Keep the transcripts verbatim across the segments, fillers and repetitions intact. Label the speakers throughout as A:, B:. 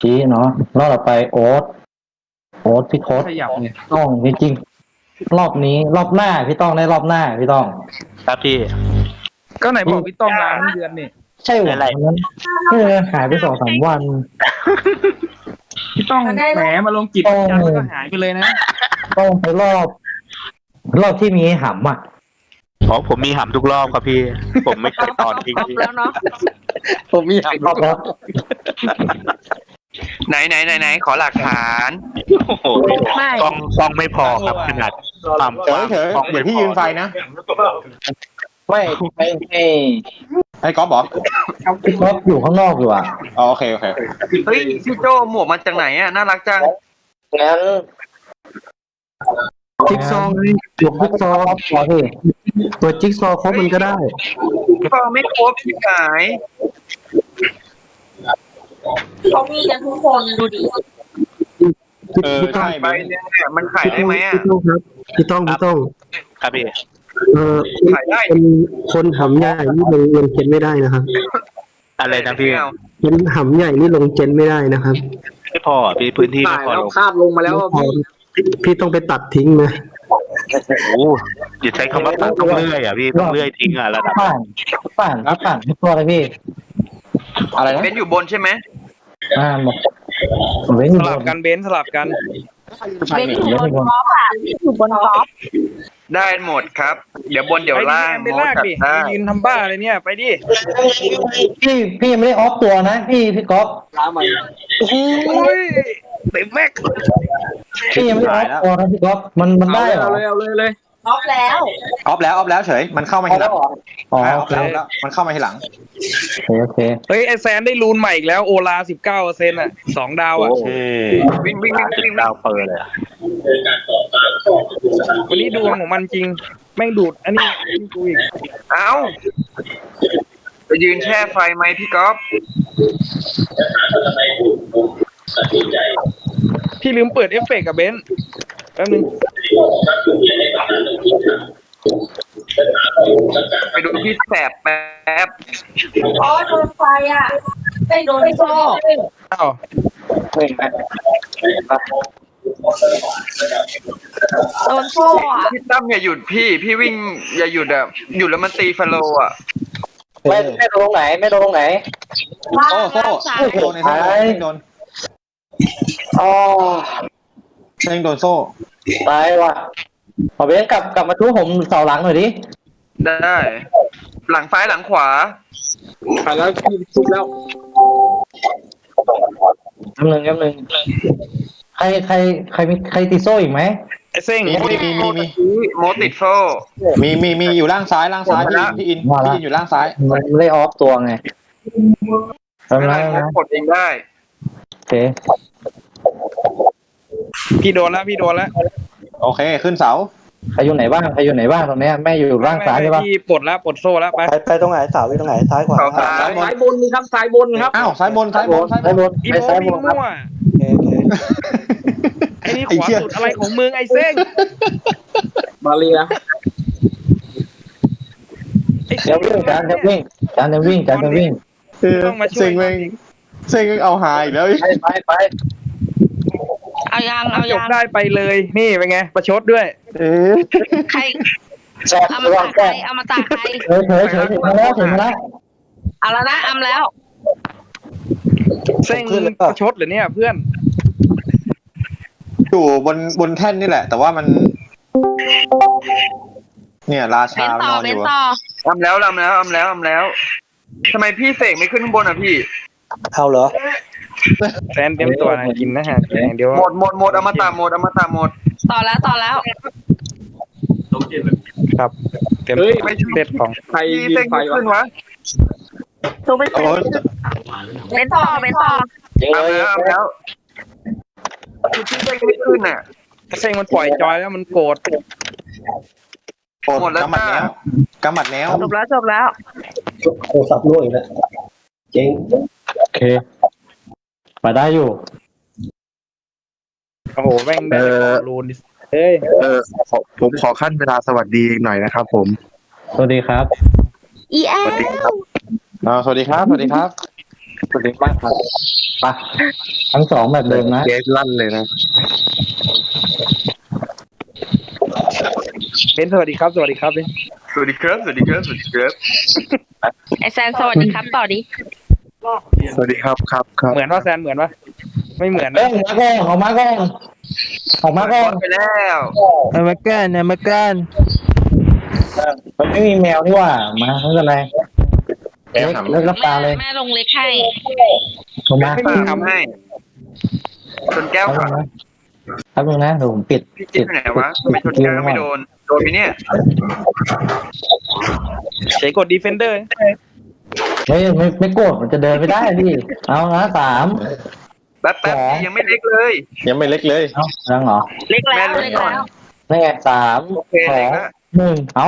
A: ชี้เนาะรอบต่อไปโอ๊ตโอ๊ตพี่โค้ด
B: ขยับไง
A: ต้องจริงๆรอบนี้รอบหน้าพี่ต้องได้รอบหน้าพี่ต้อง
C: ครับพี่
B: ก็ไหนบอกพี่ต้องลาทั้งเดือนนี่
A: ใช่หรอ
C: อะไร
A: นั้นพี่เลยหายไปสองสามวัน
B: พี่ต้องแหมมาลงกิจจันแล้วก็หายไปเลยนะ
A: ต้องไปรอบ รอบที่มีหำอ่ะ
C: อ๋อผมมีหำทุกรอบครับพี่ ผมไม่เคยตอนทิ้งพี่
D: แล้วเนาะ
A: ผมมีหำรอบแล้ว
E: ไหนไหนไหนไหนขอหลักฐาน
C: โอ้โห
D: ไม่
C: กล้องกล้องไม่พอครับขนาดความก
F: เฉ
C: ว้าย ง
F: เฉย
C: กล้อง
F: เดี๋ยวพี่ยืนไฟนะ
A: ไม่ไม่ไม่
F: ไอ้ก๊อฟบอก
A: พี่ท็อปอยู่ข้างนอกอยู่อ่ะ
F: อ๋อโอเคโอเค
E: เฮ้ยพี่โจหมวกมาจากไหนอ่ะน่ารักจัง
A: งั้น
G: จิ๊กซอว์ไง
A: หลบจิ๊กซอว์พอพี่
G: ตัวจิ๊กซอว์ครบมันก็ได้
E: ก็ไม่ครบพี่ขาย
D: เขามีกันทุกคนดูดิ
F: เออใช่
E: ไป
F: เบน
E: เนี่ยมันขายได้ไหมอ่ะ
G: พี่ต้องครับพี่ต้องพี่ต้อง
C: ครับพี่
G: เออ
E: ขายได้
G: คนคนหำใหญ่นี่ลงลงเจนไม่ได้นะครับ
C: อะไรนะพี่
G: คนหำใหญ่นี่ลงเจนไม่ได้นะครับ
C: ไม่พอพี่พื้นที่ไม่พอลง
B: คาบลงมาแล้ว
G: พอพี่พี่ต้องไปตัดทิ้งนะ
C: โอ้โหอย่าใช้คำว่าตัดต้องเลื่อยอ่ะพี่ต้องเลื่อยทิ้งอ่ะระดับ
A: ป่านป่านป่านทุกตัวเลยพี่
F: อะไรนะ
E: เป็นอยู่บนใช่ไหม
A: อ่าหมดผมเว้นอ
B: ส
A: ยู่บ
B: ลับ
A: น
B: กันเบนซ์สลับกัน
D: เบนอยู่บนท็อปอ่ะอยู่บนท็อป
E: ได้หมดครับ เดี๋ยวบนเดี๋ยวล่าง
B: ไปลากดิ
E: ได้
B: ยืนทำบ้าเลยเนี่ยไปดิ
A: พี่พี่ยังไม่ได้ออฟตัวนะพี่พี่ก๊อฟ
B: โอ้ยเต็มแม็ก
A: พี่ยังไม่ได้ออฟตัวนะพี่ก๊อฟมันมันได้เหรอ
B: เอาเลยเอาเลยเลย
D: ท็อปแล้ว
F: ออฟแล้วออฟแล้วเฉยมันเข้ามาทีหลัง
A: อ๋อ
F: อ่าอ
A: โอ
F: อฟ
A: เค
F: แล้วแล้วมันเข้ามาทีหลัง
A: โอเคโอเค
B: เฮ้ยไอแซนได้รูนใหม่อีกแล้วโอลาสิบเก้าเปอร์เซ็นต์อ่ะสองดาวอ่ะ
C: เออ
E: วิ่งวิ่งวิ่ง
C: จุด
E: วิ่ง
C: ดาวเปิดเลยอะ
B: วันนี้ดวงของมันจริง แม่งดูดอันนี้กูอีก
E: เอ้าจะยืนแช่ไฟไหมพี่ก๊อฟ
B: พี่ลืมเปิดเอฟเฟกต์กับเบนซ์แป๊บนึง
E: ไปดูพี่แสบแป๊บ
D: อ๋อโดนไฟอ่ะไม่โดนโซ่
B: อ้าว
D: โดนโซ่อ่ะ
E: พี่ตั้มอย่าหยุดพี่พี่วิ่งอย่าหยุดอ่ะหยุดแล้วมันตีฟาโลอ่ะ
A: ไม่ไม่โดนตรงไหนไม่โดนตรงไหน
D: ล่าง
F: โซ่โซ่
D: ล่างซ้าย
F: โซ่ในโซ่เด้งโดน
A: อ๋อ
F: เด้งโดนโซ่
A: ตายว่ะขอเบนกลับกลับมาทุบผมเสาหลังหน่อยดิ
E: ได้ หลังซ้ายหลังขวา
B: ผ่านแล้วพี่ซุบแล้ว
A: กำหนึ่งกำหนึ่งใครใครใครมีใครตีโซ่อีกไหม
B: ไอเซ้ง
F: มีมีมีมีมี
E: โมติดโซ่
F: มีมีมีอยู่ล่างซ้ายล่างซ้ายพี่พี่อินพี่อินอยู่ล่างซ้าย
A: มันไม่ได้ออฟตัวไง
E: ไม่
A: ทำ
E: เป็น
A: ไร
E: ไร
A: นะ
E: กดเองได้
A: โอเค
B: พี่โดนแล้วพี่โดนแล้ว
F: โอเคขึ้นเสา
A: ใครอยู่ไหนบ้างใครอยู่ไหนบ้างตรงเนี้ยแม่อยู่ล่างซ้ายใช่ปะ
B: พี่ปลดแล้วปลดโซ่แล้วไป
H: ไปไปตรงไหนเสาอยู่ตรงไหนซ้ายขวา
E: เขาซ้าย
F: ซ้ายบน
B: ซ้ายบนนี่ครับซ้ายบนครับ
F: อ้าวซ้ายบนซ้ายบนซ้ายบ
A: ซ้าย
F: น
A: บน
B: อี
A: ไป
B: โม
A: ซ้ายบ
B: บิน
A: นครับ
B: มั่ว
H: โอเคโอเค
B: ไอ้นี่ข
F: ไอ้
B: วา
F: เหี้ย
B: สุดอะไรของมึงไอ้เซ้งมาเรีย
A: เดี๋ยววิ่งจานจะวิ่งจานจะวิ่งจานจะวิ่ง
F: เออเซ็งแม่งเซ็งเอาหายอีกแล้ว
A: ไปไปไป
D: เอายังเอา
B: จ
D: ยั
B: บ
D: ง
B: ได้ไปเลยนี่เป็นไงประชดด้วย
F: เออ
D: ใคร
A: แซ่บ
D: เอา
A: ระ
D: มา
A: วั
D: ตาง กใคร
A: แซ่บ
D: เอามาตากใคร
A: เฉยเฉยเฉยถึงมาแล้วถึงมาแล้ว
D: เอาแล้วนะเอาแล้ว
B: เซ้งประชดเหรือเนี่ยเพื่อน
F: อยู่บนบนแท่นนี่แหละ แต่ว่ามัน เนี่ยรา
D: เบ
F: ชาน
D: ต่
F: น
D: อ
F: อน
D: เบ
F: อน ยู่
D: ต่อ
E: ทำแล้วทำแล้วทำแล้วทำแล้วทำไมพี่เสกไม่ขึ้นข้างบนอ่ะพี่
H: เอาเหรอ
B: แฟนเตรียมตัวนะกินนะฮะเดี๋ยว
E: หมดหมดหมดเอามาตาหมดเอามาตาหมด
D: ต่อแล้วต่อแล้ว
B: ครับเตรียม
E: เฮ้ยไม่ใช่
B: เด็ดของ
E: ใครเสกไม่ขึ้นวะ
D: ตัวไป
F: โอ้ย
D: เบนต่อเบนต่อ
A: ยิง
E: เอา
A: เลย
E: แล้วเอาแล้วคือพี่เสกไม่ขึ้นอ่ะ
B: เซ้งมันปล่อยจอยแล้วมันโกรธ
F: โอด
E: หมดแล้ว
F: กำหมัดแนวกำหมัดแนว
D: จบแล้วจบแล้ว
H: โทรศัพท์รั่วอีกแล้วเจ๊ง
A: โอเคไปได้อยู่
B: โอ้โหแม่งได้รูนเฮ้ย
I: เออขอผมขอขั้นเวลาสวัสดีหน่อยนะครับผม
A: สวัสดีครับ
D: อีแอล
F: อ่าสวัสดีครับสวัสดีครับ
A: สวัสดีมากครับไปทั้งสองแบบเดิมนะ
I: เกสลั่นเลยนะ
B: เบนสวัสดีครับสวัสดีครับเบน
E: สวัสดีครับสวัสดีครับสวัสดีครับ
D: ไอแซนสวัสดีครับต่อดิ
I: สวัสดีครับครับครับ
B: เหมือนว่าแซนเหมือนปะไม่เหมือน
A: เอ้
B: นะ
A: ยมาแกงออกมาแกงออกมาแกง
E: ไปแล้ว
B: เอามาแก้นเอามาแก้น
A: มันไม่มีแมวนี่หว่ามาไม่เป็นไร
C: แก้
A: เล็ก
C: ถาม
A: เลิกรับตาเลย
D: แม่ลงเล็กให้
A: ออกมา
B: ไม่มีทำให้
E: ชนแก้ว
A: แป๊บ
E: ค่ะ
A: นึงนะแป๊บนึงนะเดี๋ยวผมปิด
E: พี่จิ๊บไปไหนวะไม่ชนแก้วไม่โดนโดนไหมเนี่ย
B: เฉยกดดีเฟนเดอร์
A: เฮ้ยไม่ไม่โกรธมันจะเดินไม่ได้ดิเอานะสาม
E: แป๊บแป๊บ
A: สอง
E: ยังไม่เล็กเลย
F: ยังไม่เล็กเลย
A: เอายังเหรอ
D: เล็กแล้ว
E: แม่ล
D: เล็
E: ง
D: ก
E: ก่อน
D: แล้ว
A: นี่ไงสาม
E: โอเค
A: สอ
E: เล็ก
A: ง
E: แล้ว
A: หนึ่งเอา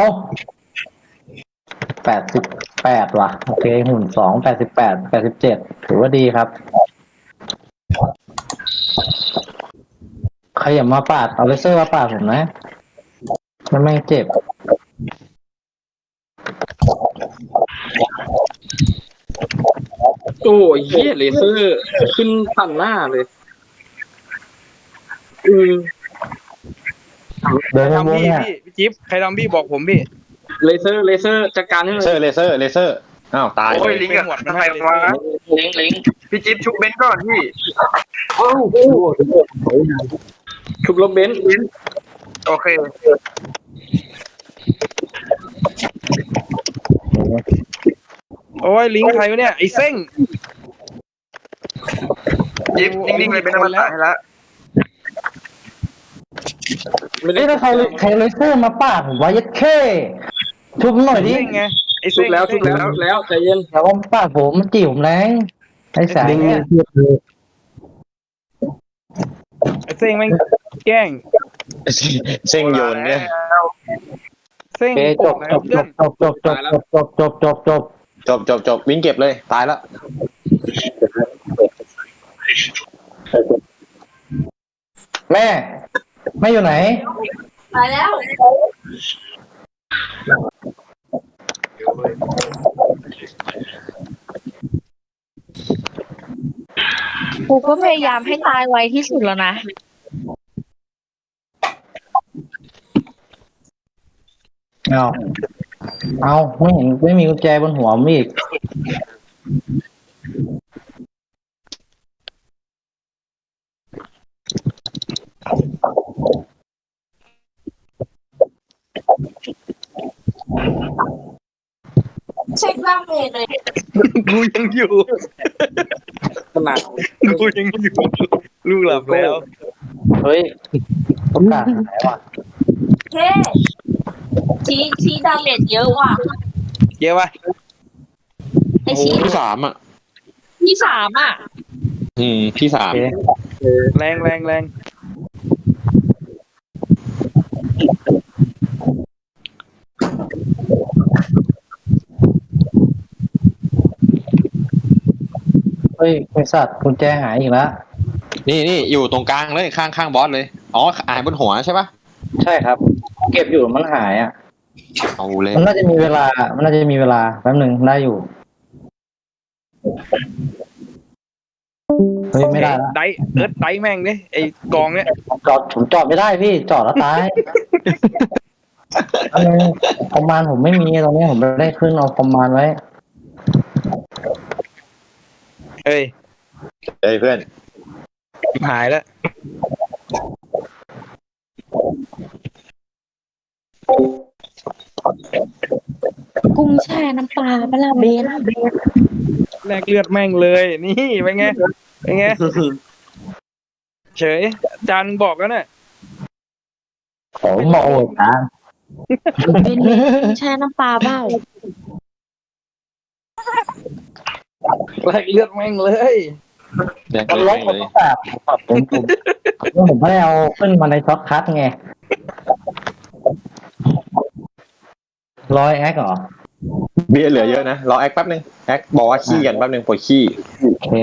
A: แปดสิบแปดว่ะโอเคหุ่นสองแปดสิบแปดแปดสิบเจ็ดถือว่าดีครับใครอย่ามาปาดเอาเลเซอร์มาปาดผมนะมันไม่เจ็บ
J: โอ้ยเหี้ยเลเซอร์ขึ้นฝั่งหน้าเลยอืม
A: เดิน
B: ใคร
A: วง
B: ทำพี่
A: เนี่ย
B: พี่พี่จิ๊บใครทำพี่บอกผมพี่
J: เลเซอร์เลเซอร์จัดการให้
F: เล
J: เล
F: เซอย ร์เลเซอร์เลเซอร์อ้าวตาย
E: โอ้ย
F: เลย
E: ลิงก์กับใครวะ
J: ลิงลิง
E: พี่จิ๊บชุบเบนก่อนพี่
J: ชุบลบเบนซ์
E: โอเค
B: โอ้ยลิงก์ใครวะเนี่ยไอ้เซ้ง
E: จิ๊บนิ่งๆเลยเป็นอมตะให้ละ
J: ไม่ได้
A: เอ้ยแล้วใครใครเลเซอร์มาปาดผมว่ายัดเข้ชุบหน่อยดิ
B: เซ้งไงไอ้
J: ชุ
B: เซ้
J: บ
B: ง
J: แล้วชุบแล้วชุบแล้วใจเย็น
A: อย่าว่าปาดผมมันจีบผมแรงไอ้สาย
G: เด้ง
A: เนี่ย
G: เทียบเลย
B: ไอ้เซ้งแม่งแกล้ง
F: เส้งโยนเนี่ย
B: เซ้ง
A: โอเคจ
B: โกร
A: บ
B: ธนะ
A: จบ
B: เพื่
A: จ
B: อน
A: บจบจบจบจบจบจบจบ
F: จบจบจบวิ่งเก็บเลยตายแล้ว
A: แม่แม่อยู่ไหน
D: ไปแล้วกูก็พยายามให้ตายไวที่สุดแล้วนะ
A: เอาเอาไม่เห็นไม่มีกุญแจบนหัวผมอีก
D: เช็คบ้างเลยเลย
B: กูยังอยู่
J: ขนาด
B: กูยังอยู่ลูกหลับแล้ว
A: เฮ้ยประกาศหายว่ะ
D: เฮ้ชี้ชี้ดาเมจเยอะว่ะ
B: เยอะปะ
D: ไอชี้
F: ที่สามอ่ะ
D: ที่สามอ่ะ
F: อืมที่สาม
A: โอเค
B: แรงแรงแรง
A: เฮ้ยบริษัทกุญแจหายอีกแล้ว
F: นี่นี่อยู่ตรงกลางเลยข้างข้างบอสเลยอ๋ออ่านบนหัวใช่ปะ
A: ใช่ครับ เก็บอยู่มันหายอ่ะ
F: เอาเลย
A: มันน่าจะมีเวลา มันน่าจะมีเวลาแป๊บหนึ่งได้อยู่ เฮ้ยไม่ได้ละ
B: ไดเอิร์ดไดแม่งเนี่ยไอ้กองเนี่ย
A: ผมจอดผมจอดไม่ได้พี่ จอดแล้วตายอันนี้คอมมานด์ผมไม่มีตรงนี้ผมไม่ได้ขึ้นเอาคอมมานด์ไว้
B: เอ้ย
F: เฮ้ยเพื่อน
B: หายแล้ว
D: กุ้งแช่น้ำปลาปลาเบน
B: แลกเลือดแม่งเลยนี่เป็นไงเป็นไงเฉยจานบอกแล้วเนี่ย
A: ผมมองโอ้ยนะ
D: เบนกุ้งแช่น้ำปลาเบ้า
B: แลกเลือดแม่งเลย
F: แดก
A: มัน
F: เล
A: ล
F: ย
A: บ
F: แด
A: ผ
F: ก
A: ม
F: เลย
A: ต้องแบบผมผมผมไม่ได้เอาขึ้นมาในช็อตคัทไงร้อยแอคเหรอ
F: เบี้ยเหลือเยอะนะรอแอคแป๊บนึงแอคบอกว่าขี้กันแป๊บนึงปวดขี้
A: โอเค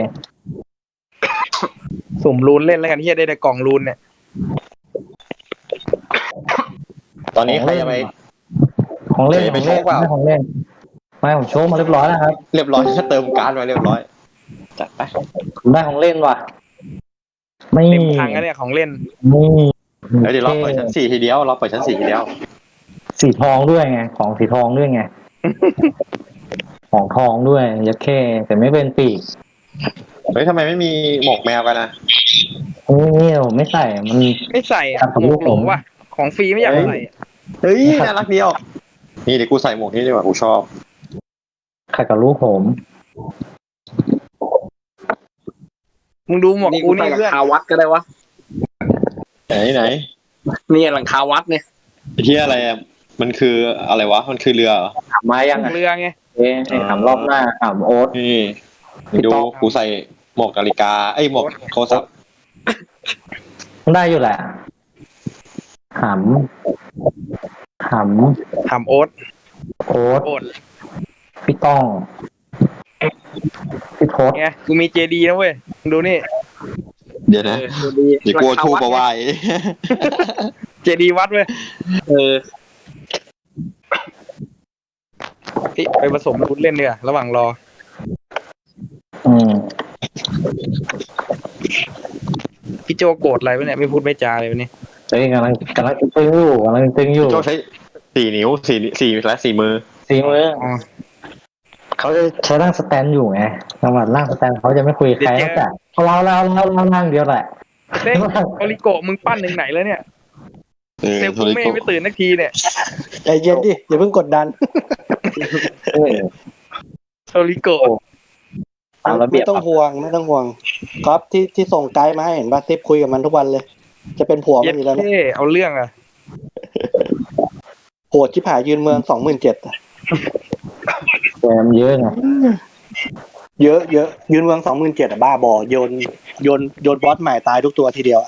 B: สุ่มรูนเล่นแล้วกันที่จะได้แต่กล่องรูนเนี่ย
F: ตอนนี้ใครจะไป
A: ของเล่น
F: เดี๋ยว
A: ข
F: ไป
A: องเล่น
F: โชว์เปล่า
A: ไม่ของเล่นไม่ผมโชว์มาเรียบร้อยแล้วครับ
F: เรียบร้อย เติมการ์ดมาเรียบร้อยจัดไป
A: ได้ของเล่นว่ะไม่
B: เต็มถังแล้วเนี่ยของเล่น
A: นี่
F: เฮ้ยเดี๋ยวเราเปิดชั้นสี่ทีเดียวเราเปิดชั้นสี่ทีเดียว
A: สีทองด้วยไงของสีทองด้วยไง ของทองด้วยยัดแค่แต่ไม่เป็นปีก
F: เฮ้ยทำไมไม่มีหมวกแมวกันนะ
A: นี่ผมไม่ใส่มัน
B: ไม่ใส่อะ
A: ครับผม
B: หมวกโหลว่ะของฟรีไม่อยากใส่อะ
F: เฮ้ยน่ารักเดียวนี่เดี๋ยวกูใส่หมวกนี้ดีกว่ากูชอบ
A: ขัดกับลูกผม
B: มึงดูหมวก
J: นี่
B: กู
J: กูใส่
B: นี่
J: หลั
B: เพื่อน
J: งคาวัดก็ได้วะ
F: ไหนไหน
J: นี่หลังคาวัดเนี่ย
F: ไอ้ที่อะไรอะมันคืออะไรวะมันคือเรือเหรอ
A: ถามมายังไง
B: เรือไง
A: เอ๊ะถามรอบหน้าถามโอ๊ต
F: นี่ดูกูใส่หมวกนาฬิกาไอ้ยหมวกโทรศัพท์
A: ได้อยู่แหละถามถาม
B: ถามโอ๊ต
A: โอ๊ต
B: โอ๊ต
A: พี่ต้องพี่โทษ
B: ไงกูมีเจดีนะเว้ยมึงดูนี่
F: เดี๋ยวนะ
J: เออดี
F: เดี๋ยวกูเอาทูบมาไหว้
B: เจดีวัดเว้ย
J: เออ
B: พี่ไปผสมรุนเล่นเนีกว่ยระหว่างรอ
A: อืม
B: พี่โจโกรธอะไรวะเนี่ยไม่พูดไม่จาเลยวันนี้
A: เฮ้ยกำลังกำลังตึงอยู่กำลังตึงอยู่
F: โจใช้สี่นิ้วสี่สี่และสี่มือ
A: สีมือ
B: อ๋อ
A: เขาจะใช้ร่างสแตนอยู่ไงจังหวัดร่างสแตนเขาจะไม่คุยกับใครนอกจากเราเราเราเราร่างเดียวแหละ
B: เต้โอริโกะมึงปั้นถึงไหนแล้วเนี่ย
F: เออ
B: เซล
F: โท
B: กู
F: ริ
B: ไม่
F: โกะ
B: ไม่ตื่นนักทีเนี่ย
H: ใจเย็นดิอย่าเพิ่งกดดัน
A: เออ
B: โอริโกะ
A: ตามระเบี
H: ไม่
A: ยบ
H: ต้องห่วงไม่ต้องห่วงก๊อฟที่ที่ส่งไกด์มาให้เห็นป่ะทิปคุยกับมันทุกวันเลย จะเป็นผัว
B: เย็
H: มัน
B: ด
H: อยู่แล้วเนี่ย
B: เท่เอาเรื่องอะ
H: โหดชิบหายยืนเมืองสองหมื่นเจ็ด
A: แกมเยอะไง
H: เยอะเยอะยืนเมืองสองหมื่นเจ็ดอ่ะบ้าบอโยนโยนโยนบอสใหม่ตายทุกตัวทีเดียวอะ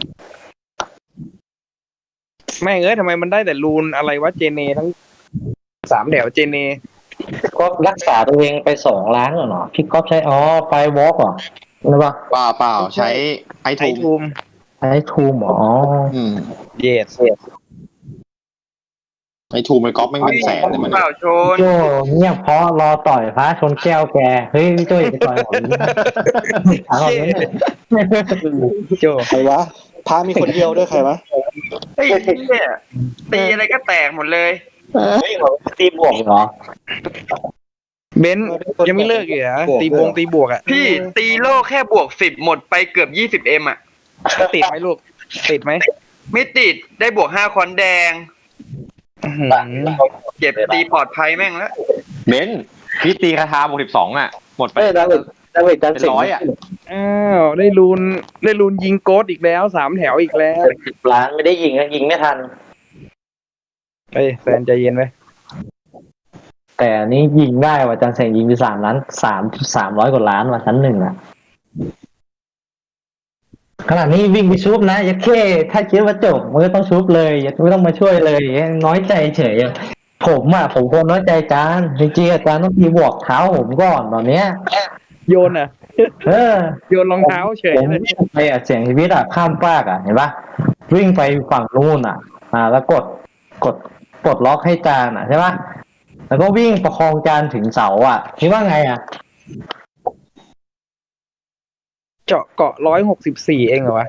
B: แม่งเอ้ยทำไมมันได้แต่รูนอะไรวะเจเนทั้งสามแถวเจเน
A: ก็รักษาตัวเองไปสองล้านเหรอพี่ก๊อฟใช้อ๋อไปวอล์กเหรอหรือเปล่า
F: เปล่าเปล่าใช้ไอ
B: ไอ
F: ทูม
B: ทูม
A: ใช้ทูมเหรออ๋อ
F: อืม
B: เยส
F: ไอทูมมันก๊อปไม่เป็นแสนเลยมัน
E: เปล่าชน
A: โจเงียบเพราะรอต่อยพระชนแก้วแกเฮ้ยพี่โจอย่าไปต่อยผมถามก่อนเลย
B: โจ
H: ใครวะพามีคนเดียวด้วยใครวะ
E: ไอ้เนี่ยตีอะไรก็แตกหมดเลย
A: เฮ้ยตีบวกเหรอ
B: เบนซ์ยังไม่เลิกอีกเหรอตีบวงตีบวกอ่ะ
E: พี่ตีโลแค่บวกสิบหมดไปเกือบยี่สิบเอ็มอ่ะ
B: ติดไหมลูกติดไหม
E: ไม่ติดได้บวกห้าคอนแดง
B: อื้อหือ
E: เก็บตีปลอดภัยแม่งแล้ว
F: เบนซ์พี่ตีคาถาบวกสิบสองอ่ะ หมดไป
A: เฮ้ยดาวิดดาวิดจัน
F: เป็น
A: สิง
F: ร้อยอ่ะ
B: อ้าวได้รูนได้รูนยิงโกดอีกแล้วสามแถวอีกแล้ว
A: สิบล้านไม่ได้ยิงนะยิงไม่ทัน
B: เฮ้ยแฟนใจเย็นไว้
A: แต่อันนี้ยิงได้ว่ะจันเสงยิงไปสามล้านสามสามร้อยกว่าล้านว่ะชั้นหนึ่งอ่ะขนาดนี้วิ่งไปชุบนะยัดแค่ถ้าคิดว่าจบมันก็ต้องชุบเลยยัดไม่ต้องมาช่วยเลยน้อยใจเฉยอะผมอ่ะผมควรน้อยใจจานจริงๆอาจารย์ต้องทีบวกเท้าผมก่อนตอนเนี้ย
B: โยนอ่ะ
A: เออ
B: โยนรองเท้าเฉย
A: ผม
B: เลย
A: วิ่งไปอ่ะเสียงชีวิตอ่ะข้ามฟากอ่ะเห็นปะวิ่งไปฝั่งนู้นอ่ะ อ่า แล้วกดกดปลดล็อกให้จานอ่ะใช่ปะแล้วก็วิ่งประคองจานถึงเสาอ่ะคิดว่าไงอ่ะ
B: เจาะเกาะร้อยหกสิบสี่เองเหรอวะ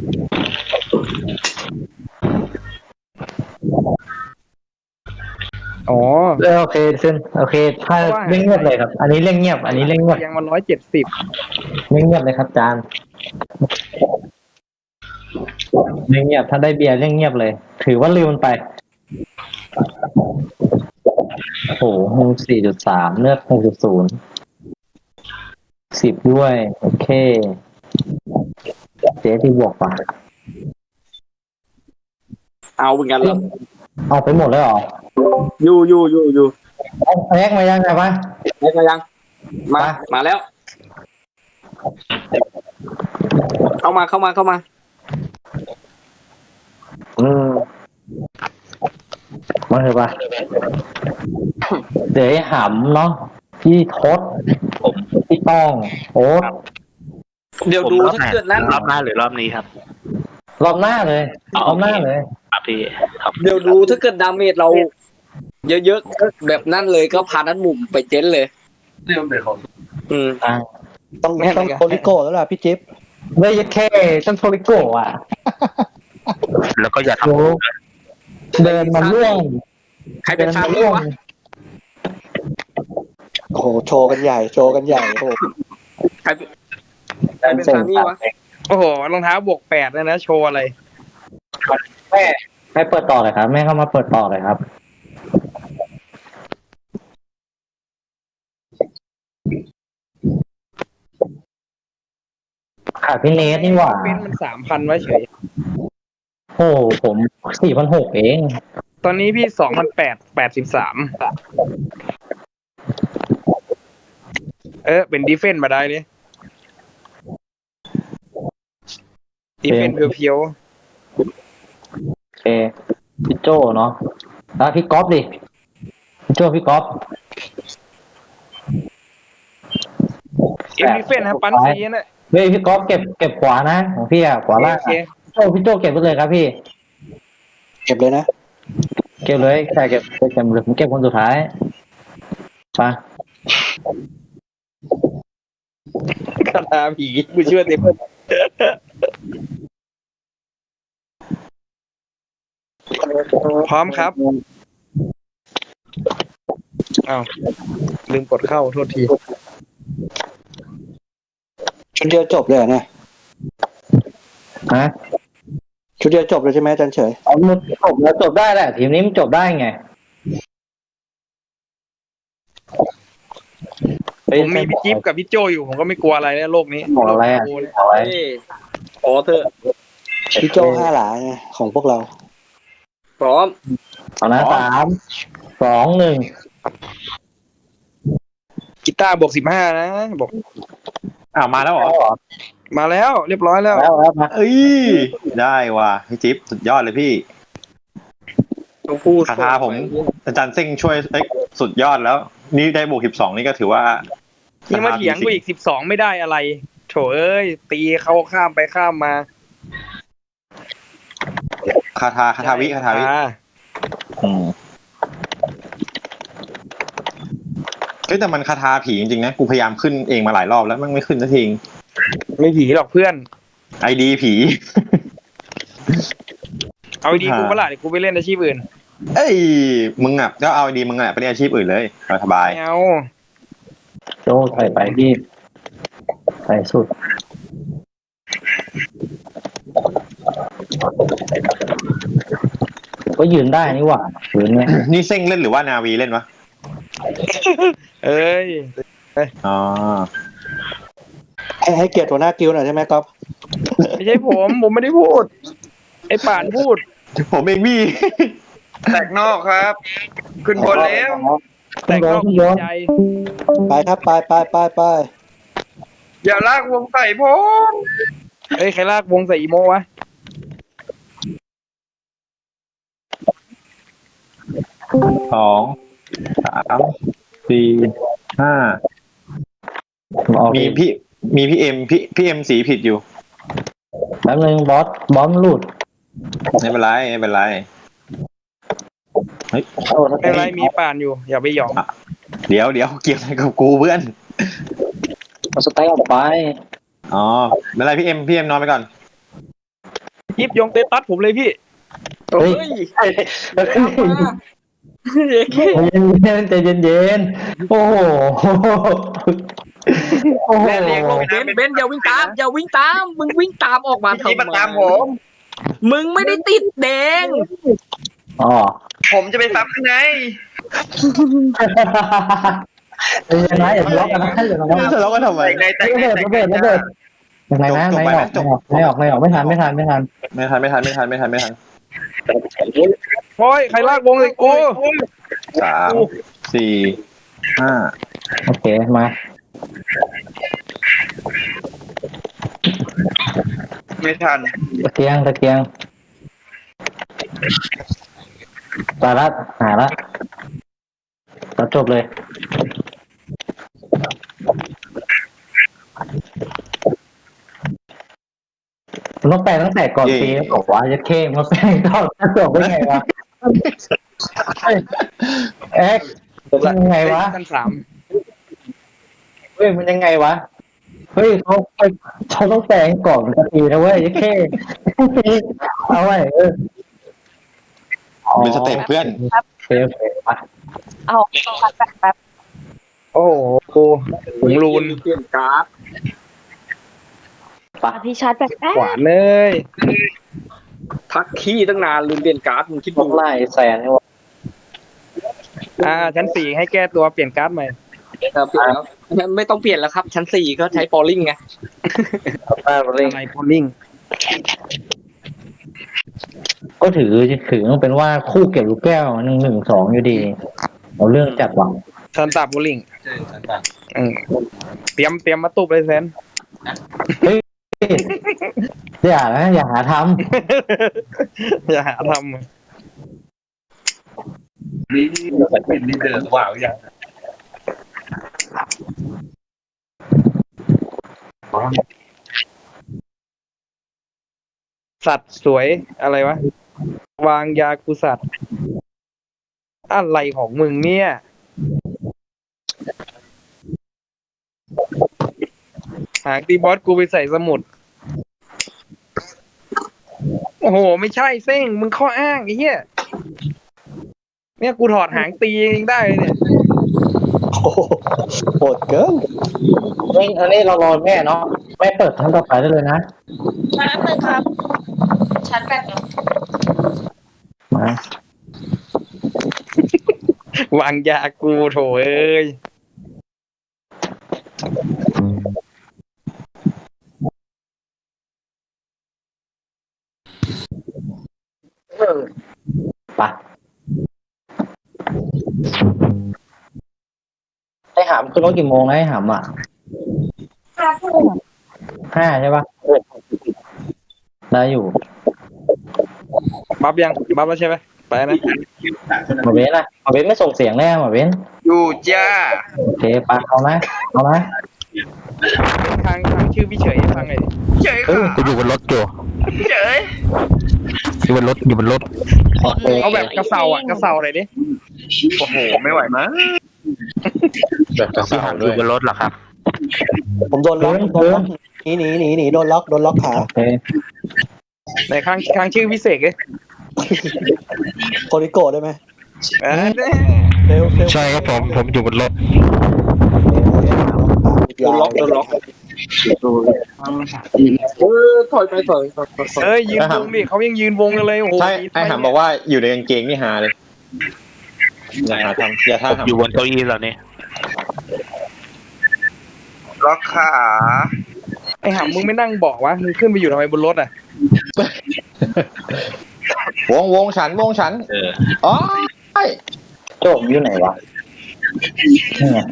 B: อ๋อ
A: เออโอเคเส้นโอเค ถ้าเร่งเงียบเลยครับ อันนี้เร่งเงียบ อันนี้เร่งเงียบ
B: ยังมันร้อยเจ็ดสิบ
A: เร่งเงียบเลยครับจานเร่งเงียบถ้าได้เบียร์เร่งเงียบเลย ถือว่าลืมมันไปโอ้โหสี่จุดสามเลือดหกจุดศูนย์สิบด้วยโอเคเจ๊ที่บวกป่ะ
J: เอาเหมือนกันเหรอ
A: เอาไปหมดเลยเหรอ
J: อยู่อยู่อยู่อยู่
A: เอาแยกมายังไงวะ
J: ได้กันยัง มา มาแล้ว เข้ามาเข้ามาเข้ามา
A: อืมมาเถอะปะเดี๋ยวไอ้หำเนาะพี่ทศผมพี่ต้องโอ๊ต
J: เดี๋ยวดูถ้าเกิดนั้น
C: รอบหน้าหรือรอบนี้ครับ
A: รอบหน้าเลยรอบหน้าเลย
C: ครับพี่ครับ
J: เดี๋ยวดูถ้าเกิดดาเมจเรา เยอะๆแบบนั้นเลยก็พานั้นหมุมไปเจ๊นเลย อืม
A: อ่า
H: ต้อง
B: แม่น
H: ต้อง
B: เลย
H: โคลิโก้แล้วล่ะพี่จิ๊บ
A: ไม่ยัดเข้ต้องโทริโกะอ่ะ
C: แล้วก็อย่าท
A: โอ้เดินมาล่วง
J: ใครเป็นชา
A: ดิ
J: บี้
A: ล่วง
J: วะ
H: โอ้โหโชว์กันใหญ่โชว์กันใหญ่โอ้โห
J: ใครเป็นใครเป็นชาบี้วะ
B: โอ้โหรองเท้าบวกแปดเลยนะโชว์อะไร
A: แม่ให้เปิดต่อเลยครับแม่เข้ามาเปิดต่อเลยครับขาดพี่เนทนี่หว่า
B: เป็นมันสามพันไว้เฉย
A: โอ้ผมสี่พันหกเอง
B: ตอนนี้พี่สองพันแปดแปดสิบสามเออเป็นดีเฟนต์มาได้เลยดีเฟนต์เพียว
A: โอเคพี่โจเนาะแล้วพี่ก๊อฟดิพี่โจพี่ก๊อฟ
B: ๆเอ็มดีเฟนต์ครับปันซีนะ
A: เฮ้ยพี่ก๊อฟเก็บเก็บขวานะของพี่อะขวาล่าง
B: โอเค
A: อะพี่โจพี่โจเก็บไปเลยครับพี่
H: เก็บเลยนะ
A: เก็บเลยใช่เก็บเก็บเก็บเลยผมเก็บคนสุดท้ายไป
B: คาถาผีกูเชื่อเต็มพร้อมครับอ้าวลืมกดเข้าโทษที
H: ชุดเดียวจบเลยเหรอเนี่ย
A: ฮะ
H: ชุดเดียวจบเลยใช่ไหมอาจารย์เฉย
A: เอามันจบแล้วจบได้แหละทีมนี้มันจบได้ไง
B: ผมมีพี่จิ๊บกับพี่โจอยู่ผมก็ไม่กลัวอะไรแล้วโลกนี้
A: บอกอะไรอ่ะ
B: โลกนี้
A: บอกอะไร
J: เอ้ยขอเถอะ
H: พี่โจห้าหลาไงของพวกเรา
J: พร้อม
A: เอานะสามสองหนึ่ง
B: กีตาร์บวกสิบห้านะบอก
F: อ้าวมาแล้วเหรอ
B: มาแล้วเรียบร้อยแล้ว
A: แล้วแล้วมา
F: เอ้ยได้ว่ะพี่จิ๊บสุดยอดเลยพี่
J: ต้องพูด
F: คาถาผมอาจารย์เซิ่งช่วยเอ้ยสุดยอดแล้ว นี่ได้บวกสิบสองนี่ก็ถือว่า
B: ยังมาเถียงกูอีกสิบสองไม่ได้อะไรโถเอ้ยตีเขาข้ามไปข้ามมา
F: คาถาคาถาวิคาถาวิ
B: อ่
F: อืมเฮ้ยแต่มันคาถาผีจริงๆนะกูพยายามขึ้นเองมาหลายรอบแล้วมันไม่ขึ้นสักที
B: ไม่ผีหรอกเพื่อน
F: ไอดีผี
B: เอาดีกูเปล่าเดี๋ยวกูไปเล่นอาชีพอื่น
F: เอ้ยมึงอ่ะก็เอาไอดีมึงอ่ะไปเล่นอาชีพอื่นเลยสบาย
B: ไม่เอา
A: โจใส่ไปพี่ใส่สุดก็ยืนได้นี่หว่ายืนเนี่ย
F: นี่เซิ่งเล่นหรือว่านาวีเล่นวะ
B: เอ้ย
F: อ๋อ
H: ให้ให้เกียรติหัวหน้ากิลด์หน่อยใช่ไหมก๊อฟ
B: ไม่ใช่ผมผมไม่ได้พูด ไอ้ป่านพูด
F: ผมเองพี่
E: แตกนอกครับ ขึ้นบนแล้ว
B: แต่ก็
A: พี่
B: ดี
A: โยน
B: ใจ
H: ไปครับไปไปไปไป
E: อย่าลากวงใส่ผม
B: เอ้ยใครลากวงใส่อีโมวะ
F: สองสามสี่ห้า
A: ออก
F: มีพี่มีพี่เอ็มพี่พี่เอ็มสีผิดอยู่
A: แป๊บนึงบอสบอสมันหลุด
F: ไม่เป็นไรไม่เป็นไรเฮ้ย
A: โอ้
B: ไม่เป็นไรมีป่านอยู่ อย่าไปหยอง
F: เดี๋ยวเดี๋ยวเกี่ยวอะไรกับกูเพื่อน
A: เอาสไตล์ออกไป
F: อ๋อไม่เป็นไรพี่เอ็มพี่เอ็มนอนไปก่อน
B: ยิบยงเตตัสผมเลยพี่
J: เฮ้ย
A: ใจเย็นๆใจเย็นๆโอ้โหโอ้โห
B: แม่เลี้ยงลง
J: เบนเบนอย่าวิ่งตามอย่าวิ่งตามมึงวิ่งตามออกมา
E: พี่
J: ทำ
E: มา
J: ไม
E: ตามผม
J: มึงไม่ได้ติดแดง
A: อ๋อ
E: ผมจะไปซับข้างใน
A: ใจเย็นนะอย่าทะเลาะกันนะอย่าทะเลาะกัน
F: ทะเลาะกันทำไม
E: แตกในแตก
A: ระ
E: ใน
A: เบิด
E: แตก
A: ระเบิดระเบิดยังไงนะไม่ออกไม่ออกไม่ออกไม่ออกไม่ทันไม่ทันไม่ทัน
F: ไม่ทันไม่ทันไม่ทันไม่ทันไม่ทัน
B: โอ้ยใครลากวงเลยกู
F: สามสี่ห้า
A: โอเคมา
E: ไม่ทัน
A: ตะเกียงตะเกียงตาละหาละตัดจบเลยมันต้องแปลตั้งแต่ก่อนปีแล้วบอกว่าจะเข้มมาแปลก่อนจะจบได้ไงวะเอ็กซ์ยังไงวะ
B: กันสาม
A: เฮ้ยมันยังไงวะเฮ้ยเขาเขาต้องแปลงก่อนสักทีนะเว้ยยัดเข้เอาไว้เออ
F: เป็นสเต็ปเพื่อน
A: โอเคโอเคไป
D: เอาพัดแป๊บแป๊บ
B: โอ้โหผงรูน
J: เปลี่ยนการ์ด
D: พี่ชาร์จแป๊บแป๊บ
B: หวานเลย
J: ทักขี้ตั้งนานลืมเปลี่ยนการ์ดมึงคิด
A: ต้
J: ดู
A: องไล่แซนนี่วะ
B: อ่าชั้นสี่ให้แก้ตัวเปลี่ยนการ์ดใหม่
J: เออเปลี่ยนแล้วไม่ต้องเปลี่ยนแล้วครับ ชั้นสี่ก็ใช้ปอลลิงไง
A: ป้าเร่ง
B: อะไรพอลลิง
A: ก็ถือถือต้องเป็นว่าคู่เก็บลูกแก้วหนึ่งหนึ่งสองอยู่ดีเอาเรื่องจัดหวัง
B: ซันตาโบลิงอืมเตรียมเตรียมมาตุบเลยแซน
A: อย่านะอย่าหาท
B: อย่าหาท
C: นี่เป็นนี่เดินว่าวอย่าง
B: ำสัตว์สวยอะไรวะ วางยากูสัตว์ อะไรของมึงเนี่ย หางตีบอสกูไปใส่สมุด โอ้โห ไม่ใช่เซ้งมึงข้ออ้างไอ้เหี้ยเนี่ยกูถอดหางตีเองได้เลยเนี่ย
H: โอ้โหโหดเกิน
A: ำเฮ้ยอันนี้เรารอแม่เนาะแม่เปิดทั้งต่อไปได้เลยนะ
D: แป๊บนึงครับชาร์จแป๊บนึง
A: มาว
B: างยากูโถเอ้ย
A: ไปไอ้หามคือรถกี่โมงนะไอ้หามอ่ะ
D: ห้าทุ่ม
A: ห้าใช่ปะได้อยู่
B: บัฟยัง บัฟแล้วใช่ไหมไปนะ
A: หมาเว้นอะหมาเว้นไม่ส่งเสียงแน่หมาเว้น
E: อยู่จ้า
A: โอเคปะเอานะเอานะ
B: ทางทางชื่อพี่เฉยให้ฟังหน่อยดิ
E: เฉย
I: เออ
E: ค่ะ
I: กูอยู่บนรถอยู่
E: เฉย
I: อยู่บนรถอยู่บนรถ
A: โอเค
B: เอาแบบกระเซาอ่ะกระเซาหน่อยดิ
E: โอ้โหไม่ไหวมั้ง
F: แบบกระ
C: พี่
F: สา
C: หอมอ
F: ด้ว
C: ยู่
F: ย
C: บนรถเหรอครับ
H: ผมโดนล็อกโดนล็อกหนีหนีหนีหนีโดนล็อกโดนล็อกขา
A: โอเค
B: ในข้างข้างชื่อพี่เสกเลย
H: โคริโกะได้ไหม
B: อ่าแน่
H: เร็วเร็ว
I: ใช่ครับผมผมอยู่บนรถ
J: โดนล็อกโดนล็อกเออถอยไปถอยถอยถอยถอย
B: เอ้ยยืนวงดิเขายังยืนวงกันเลยโอ้โห
F: ใช่ไอ้หามบอกว่าอยู่ในกางเกงนี่ฮาเลยอย่าหาทำอย่าท่า
C: ผม
F: ทำ
C: อยู่บนเก้าอี้แล้วเนี่ย
E: ล็อกขา
B: ไอ้หามมึงไม่นั่งเบอกวะมึงขึ้นไปอยู่ทำไมบนรถอ่ะ
F: วงวงฉันวงฉัน
C: เออ
F: อ๋อใช่
A: โจมอยู่ไหนวะนี่ไง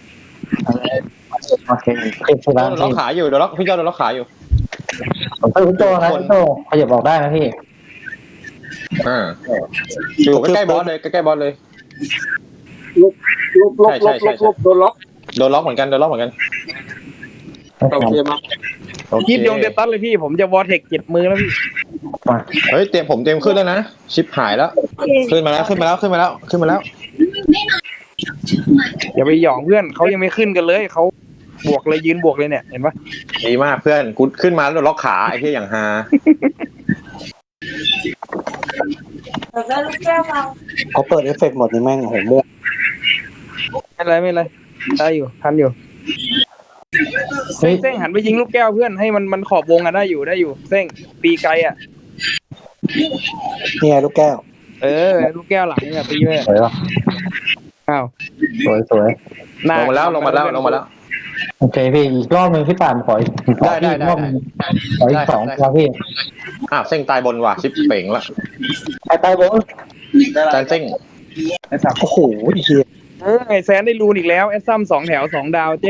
A: โอเคขึ้นที่
F: โด
A: ร้าน
F: นล็อกขาอยู่โดนล็อกพี่เจ้าโดนล็อกขาอยู่
A: ผมเป็นคุณโจนะคุณโจขยับบอกได้นะพี่
F: อ่าอยู่ใกล้ๆบอสเลยใกล้ๆบอสเลย
J: ลบลบลบลบลบโดนล็อก
F: โดนล็อกเหมือนกันโดนล็อกเหมือนกัน
J: โอเคมา
F: โอเค
B: ยิบยงเดตัสเลยพี่ผมจะวอร์เทคเจ็ดมือแล้วพี่
F: เฮ้ยเตรียมผมเตรียมขึ้นแล้วนะชิปหายแล้ว ขึ้นมาแล้วขึ้นมาแล้วขึ้นมาแล้วขึ้นมาแล้ว
B: อย่าไปหยองเพื่อนเขายังไม่ขึ้นกันเลยเขาบวกเลยยืนบวกเลยเนี่ยเห็นปะ
F: ดีมากเพื่อนกูขึ้นมาแล้วโดนล็อกขาไอ้ที่อย่างฮา
D: เดี๋ยวได้ลูกแก้วเรา
H: เขาเปิดเอฟเฟกต์หมดนี่แม่งโอ้โหเมื่อ
B: ไม่เป็นไรไม่เป็นไรได้อยู่ทันอยู่
A: เฮ้ย
B: เส้งหันไปยิงลูกแก้วเพื่อนให้มันมันขอบวงกันได้อยู่ได้อยู่เส้งตีไกลอ่ะ
H: นี่ไงลูกแก้ว
B: เออลูกแก้วหลังอ่ะตีเลย
A: สวยป่ะ
B: อ้าว
A: สวยสวย
B: หน้
F: ลงมาแล้วลงมาแล้วลงมาแล้ว
A: โอเคพี่อีกรอบหนึ่งพี่ป่านขออีกขอ
F: ได้
A: อีก
F: ได้
A: รอบหนึ่ง
F: ได้
A: ขออีกสองครับพี่
F: อ้าวเส้งตายบนว่ะชิปเป่งละ
A: ไปไปบน
F: จานเส้ง
H: โอ้โหเฮีย
B: เออไอแซนได้รูนอีกแล้วแอสซัมสองแถวสองดาวเจ้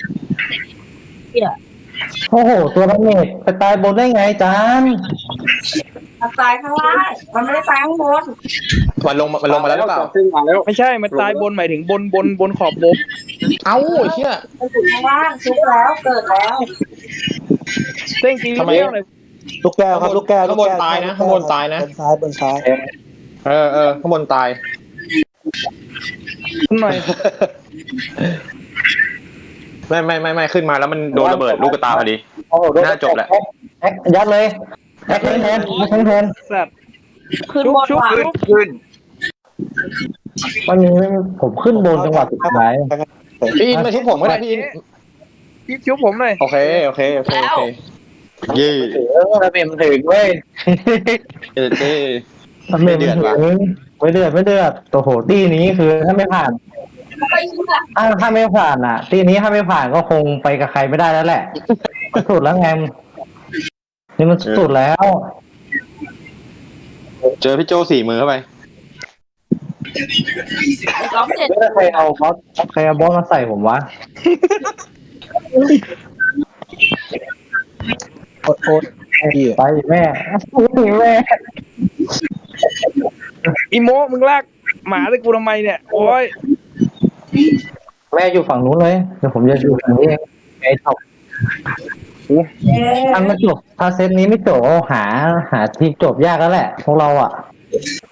A: โอ้โหตัวนักเมทไปตายบนได้ไงจาน
D: มันตายข้างล่างมันไม่ได้ตายข้างบน
F: มันลงมันลงมาแล้วหรือเปล่า
J: ซึ่งมาแล้ว
B: ไม่ใช่มันตายบนหมายถึงบนบนบนขอบวง
F: เอ้าไอ้เชี่ย
D: มันอยู่ข้างล่างชุบแล้วเกิดแล้ว
B: เส้งตีลูกแก้วหน่อย
H: ลูกแก้วครับลูกแก้ว
F: ข้างบนตายนะข้างบนตายนะ
H: บนซ้ายบนซ้าย
F: เออเออข้างบนตาย
B: หน่อย
F: ไม่ไม่ไม่ไม่ขึ้นมาแล้วมันโดนระเบิดลูกกระตาพอดี
A: โอ้โห
F: น่าจบแหละ
A: แอ๊กยัดเลยแอ๊กแทนแทนแทนแทน
B: สัตว์
D: ขึ้น
B: ชุบบ
D: น
B: ชุบ
D: ว่ะ
B: ชุ
E: ขึ้
B: บ
E: นขึ้น
A: วันนี้ผมขึ้นบนจังหวะสุดท้าย
F: พี่อินมาชุบผมก็ได้พี่อิน
B: พี่ชุบผมหน่อย
F: โอเคโอเคโอเคโอเคเย่
A: ระเบียบถึงเว้ย
F: เออเท่
A: ระเบียบถึงไม่เดือดไม่เดือดตัวโหตี้นี้คือถ้าไม่ผ่าน
D: ไปชุบอ่ะ
A: ถ้าถ้าไม่ผ่านอ่ะตีนี้ถ้าไม่ผ่านก็คงไปกับใครไม่ได้แล้วแหละมันสุดแล้วไงนี่มันสุดแล้ว
F: เจอพี่โจสี่มือเข้าไป
D: ร้องเสร็จ
A: แล้วใครเอาบอสใครเอาบอสมาใส่ผมวะโอ๊ตโอ๊ตไปแม่แม่
B: อีโมมึงลากหมาเลยกูทำไมเนี่ยโอ้ย
A: แม่อยู่ฝั่งนู้นเลยเดี๋ยวผมจะอยู่ฝั่งนี้เองไอ้ท็อปถ้าไม่จบถ้าเซตนี้ไม่จบหาหาทีจบยากแล้วแหละพวกเราอ่ะ